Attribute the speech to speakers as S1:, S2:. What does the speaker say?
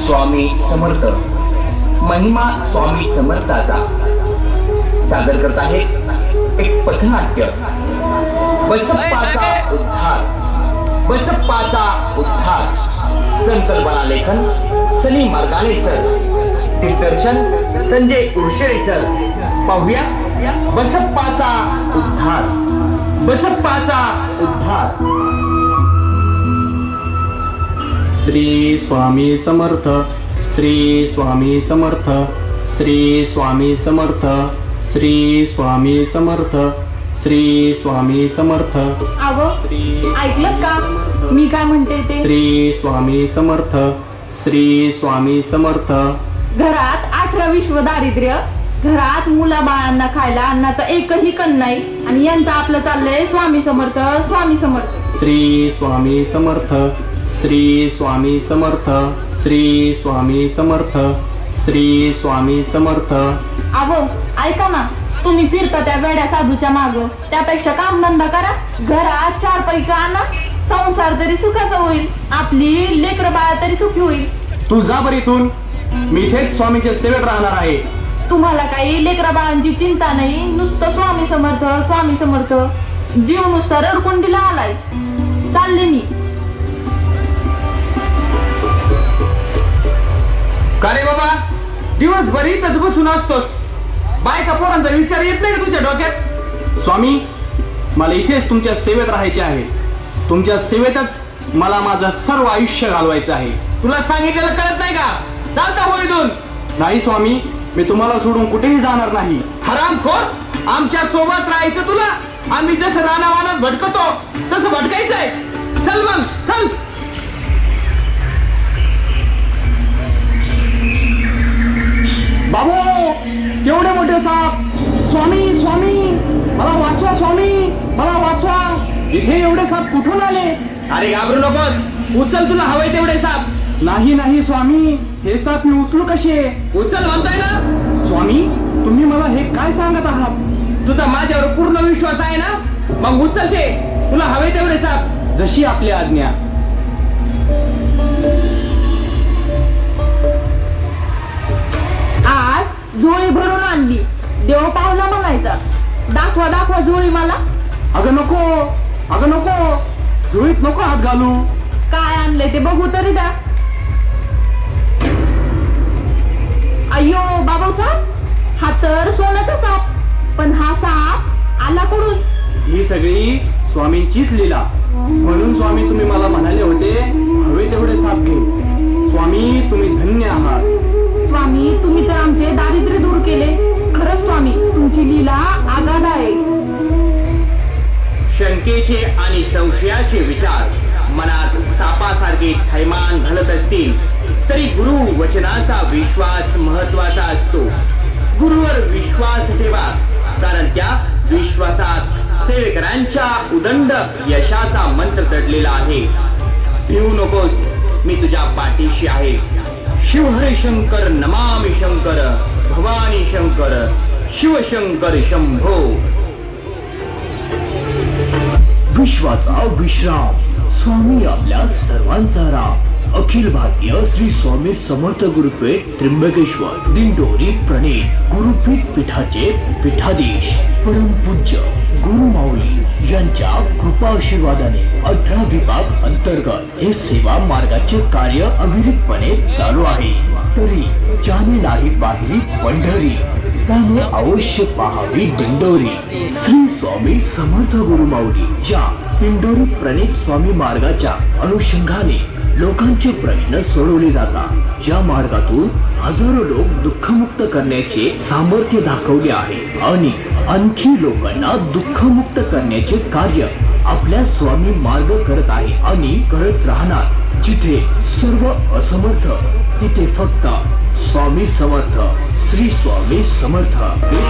S1: स्वामी समर्थ महिमा स्वामी समर्थाचा सादर करत आहे एक पथनाट्य बसप्पाचा उद्धार. बसप्पाचा उद्धार. संकल्पना लेखन सनी मार्गाने सर. दिग्दर्शन संजय उर्शेळे सर. पाहूया बसप्पाचा उद्धार. बसप्पाचा उद्धार.
S2: श्री स्वामी समर्थ. श्री स्वामी समर्थ. श्री स्वामी समर्थ. श्री स्वामी समर्थ. श्री स्वामी समर्थ.
S3: अहो ऐकलं का मी काय म्हणते ते?
S2: श्री स्वामी समर्थ. श्री स्वामी समर्थ.
S3: घरात 18 विश्व दारिद्र्य, घरात मुला बाळांना खायला अन्नाचा एकही कण नाही आणि यांचं आपलं चाललंय स्वामी समर्थ स्वामी समर्थ.
S2: श्री स्वामी समर्थ. श्री स्वामी समर्थ. श्री स्वामी समर्थ. श्री स्वामी समर्थ.
S3: अहो ऐका ना, तुम्ही फिरता त्या वेड्या साधूच्या माग, त्यापेक्षा काम धंदा करा. घरात 4 पैकी आणा, संसार तरी सुखाचा होईल, आपली लेकर बाळ तरी सुखी होईल.
S2: तू जा बरं इथून. मी इथेच स्वामीच्या सेवेत राहणार आहे.
S3: तुम्हाला काही लेकरा बाळांची चिंता नाही, नुसतं स्वामी समर्थ स्वामी समर्थ. जीव नुसता रडकुंडीला आलाय. चालले मी.
S1: का रे बाबा, दिवसभर इथंच बसून असतोस? बायका पोरांचा विचार येत नाही का तुझ्या डोक्यात?
S2: स्वामी, मला इथेच तुमच्या सेवेत राहायचे आहे. तुमच्या सेवेतच मला माझं सर्व आयुष्य घालवायचं आहे.
S1: तुला सांगितलेलं कळत नाही का? चालता हो इथून.
S2: नाही स्वामी, मी तुम्हाला सोडून कुठेही जाणार नाही.
S1: हरामखोर, आमच्या सोबत राहायचं तुला? आम्ही जसं रानावानात भटकतो तसं भटकायचंय. चल मग चल.
S2: बाबू, केवढे मोठे साप! स्वामी स्वामी, मला वाचवा स्वामी, मला वाचवा. इथे एवढे साप कुठून आले?
S1: अरे घाबरू नकोस, उचल तुला हवंय तेवढे साप.
S2: नाही नाही स्वामी, हे साप मी उचलू कसे?
S1: उचल म्हणताय ना.
S2: स्वामी, तुम्ही मला हे काय सांगत आहात?
S1: तुझा माझ्यावर पूर्ण विश्वास आहे ना? मग उचल ते, तुला हवे तेवढे साप.
S2: जशी आपली आज्ञा.
S3: आज झोळी भरून आणली, देव पावला म्हणायचा. दाखवा दाखवा झोळी मला.
S2: अगं नको, अगं नको, झोळीत नको हात घालू.
S3: काय आणलंय ते बघू तरी द्या. अय्यो बाबासाहेब, हा तर सोन्याचा साप. पण हा साप आला कुठून?
S2: ही सगळी स्वामींचीच लीला. म्हणून स्वामी तुम्ही मला म्हणाले होते हवे तेवढे साप घे. स्वामी, तुम्ही धन्य आहात.
S3: स्वामी, तुम्ही तर आमचे दारिद्र्य दूर केले. खरंच स्वामी, तुमची लीला आगाध आहे.
S1: शंकेचे आणि संशयाचे विचार मनात सापासारखे थैमान घालत असतील तरी गुरु वचनाचा विश्वास महत्वाचा असतो. गुरुवर विश्वास ठेवा, कारण त्या विश्वासात सेवेकरांच्या उदंड यशाचा मंत्र दडलेला आहे. भिवू नकोस, मी तुझ्या पाठीशी आहे. शिवहरे शंकर नमामि शंकर, भवानी शंकर शिवशंकर शंभो.
S4: विश्वाचा विश्राम, स्वामी आपल्या सर्वांचा राम. अखिल भारतीय श्री स्वामी समर्थ गुरुपीठ त्र्यंबकेश्वर दिंडोरी प्रणीत गुरुपीठ पीठाचे पीठाधीश परमपूज्य गुरुमाऊली यांच्या कृपाआशीर्वादाने 18 विभाग अंतर्गत हे सेवा मार्गाचे कार्य अविरतपणे चालू आहे. तरी ज्याने नाही पाहिली पंढरी, त्याने अवश्य पाहावी दिंडोरी. श्री स्वामी समर्थ गुरुमाऊली या दिंडोरी प्रणीत स्वामी मार्गाच्या अनुषंगाने लोकांचे प्रश्न सोडवले जातात. ज्या मार्गातून हजारो लोक दुःखमुक्त करण्याचे सामर्थ्य दाखवले आहे आणि आणखी लोकांना दुःखमुक्त करण्याचे कार्य आपल्या स्वामी मार्ग करत आहे आणि करत राहणार. जिथे सर्व असमर्थ, तिथे फक्त स्वामी समर्थ. श्री स्वामी समर्थ.